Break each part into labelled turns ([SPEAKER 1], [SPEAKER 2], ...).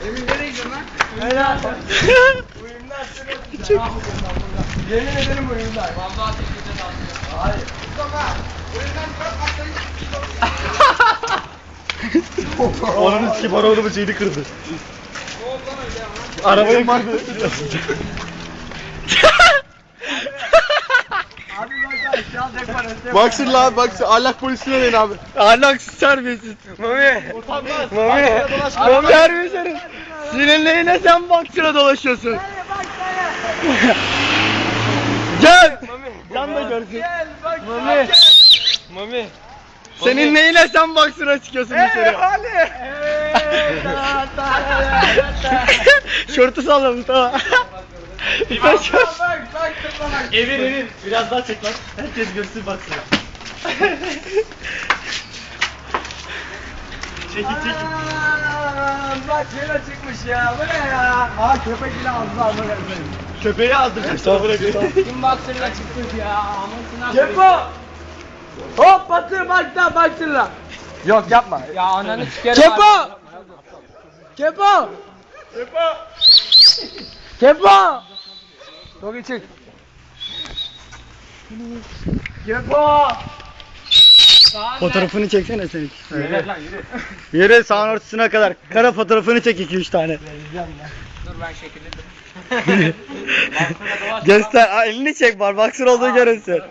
[SPEAKER 1] Emin nereye gidiyorsun lan?
[SPEAKER 2] Helal.
[SPEAKER 1] Uyumlar seni. Yemin ederim uyumlar. Vallahi teknede dalıyor. Hayır. Mustafa. Uyumdan bırak atlayın.
[SPEAKER 2] Onun sikip arabanın şeyini kırdı.
[SPEAKER 1] Ne oldu lan öyle ya?
[SPEAKER 2] Arabayı kırdı.
[SPEAKER 1] Abi bak aşağı parası.
[SPEAKER 2] Baksın lan baksın. Ahlak polisine deyin abi.
[SPEAKER 3] Ahlaksız terbiyesiz.
[SPEAKER 2] Mami. Utanmaz.
[SPEAKER 3] Mami. Mami terbiyesiz. Sinirlerine sen baksana dolaşıyorsun. Gel. Can da görsün.
[SPEAKER 1] Gel bak.
[SPEAKER 3] Mami.
[SPEAKER 2] Mami.
[SPEAKER 3] Senin neyine sen baksana çıkıyorsun dışarı.
[SPEAKER 1] Ali.
[SPEAKER 3] Şortu sallamış tamam.
[SPEAKER 1] Bak bak.
[SPEAKER 2] Evir. Biraz daha çek lan. Herkes görsün baksın. Çekin.
[SPEAKER 1] Bak yine çıkmış ya. Bu ne ya? Aa köpek bile ağzına alma gelmedi.
[SPEAKER 2] Köpeği aldıracak. Sonra bırakın.
[SPEAKER 1] Kim baksırla çıkmış ya? Anasını Kepo! Hop batır bak da baksırla. Yok yapma. Ya ananı sikerim. Kepo! Kepo! Kepo! Çok iyi çık. Kepo!
[SPEAKER 3] Fotoğrafını çeksene sen.
[SPEAKER 2] Yürü lan yürü.
[SPEAKER 3] Yere sağın ortasına kadar. Kara fotoğrafını çek 2-3 tane.
[SPEAKER 1] Dur ben şekillendim.
[SPEAKER 3] Göster. Aa, elini çek var. Baksın olduğu görünsün.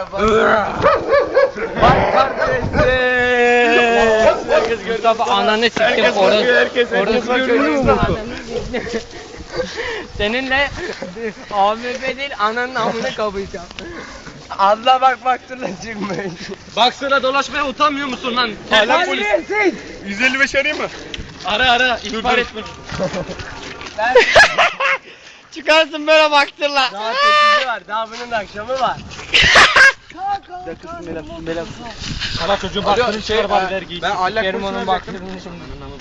[SPEAKER 1] Bak kardeşim.
[SPEAKER 3] Herkes
[SPEAKER 1] Mustafa ananı siktim
[SPEAKER 2] Herkes bakıyor, herkes
[SPEAKER 1] görünüyor
[SPEAKER 2] bakıyor.
[SPEAKER 1] mu? Seninle AMP değil ananın amını kapayacağım. Allah bak baktırla çıkmayın.
[SPEAKER 2] Baksana dolaşmaya utanmıyor musun lan? Ahlak polis. 155 arayayım mı? Ara ihbar et beni.
[SPEAKER 3] Çıkarsın böyle baktırla.
[SPEAKER 1] Daha 8'i var daha bunun akşamı var.
[SPEAKER 2] Sana çocuğun baktığını çıkar bari vergiyi.
[SPEAKER 1] Ben ahlak polisine onun baktığını şimdi.